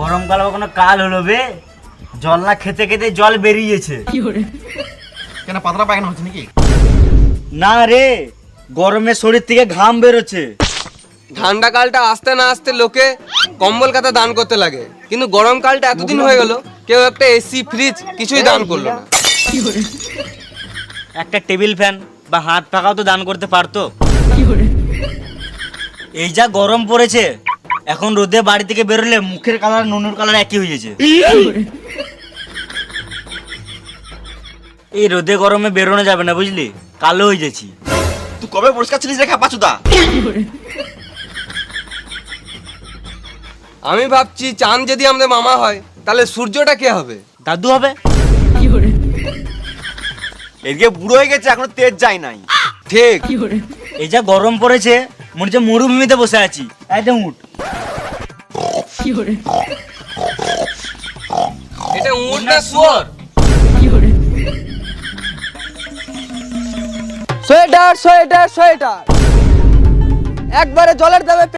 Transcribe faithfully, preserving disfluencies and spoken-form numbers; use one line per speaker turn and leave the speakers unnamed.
গরমকাল কোনো কাল হলো বে, জল না খেতে খেতে জল বেরিয়েছে।
কেন পাতলা পায়খানা হচ্ছে নাকি?
না রে, গরমে শরীর থেকে ঘাম বেরোচ্ছে।
ঠান্ডা কালটা আসতে না আসতে লোকে কম্বল কাতা দান করতে লাগে, কিন্তু গরমকালটা এতদিন হয়ে গেল কেউ একটা এসি ফ্রিজ কিছুই দান করলো না।
একটা টেবিল ফ্যান বা হাত পাখাও তো দান করতে পারতো। এই যা গরম পড়েছে, এখন রোদে বাড়ি থেকে বেরোলে মুখের কালার নুনুর কালার একই হয়ে গেছে। এই রোদে গরমে বেরোনো যাবে না বুঝলি, কালো হয়ে যাচ্ছি।
তুই কবে পরিষ্কার ছিলিস রে পাচুদা?
আমি ভাবছি চাঁদ যদি আমাদের মামা হয় তাহলে সূর্যটা কে হবে?
দাদু হবে।
এদিকে বুড়ো হয়ে গেছে, এখনো তেজ যায় নাই।
ঠিক।
এই যা গরম পড়েছে, মনে হচ্ছে মরুভূমিতে বসে আছি। একদম উঠ।
এটা উট না শুয়োর? সোয়েটার সোয়েটার সোয়েটার একবারে জলের দামে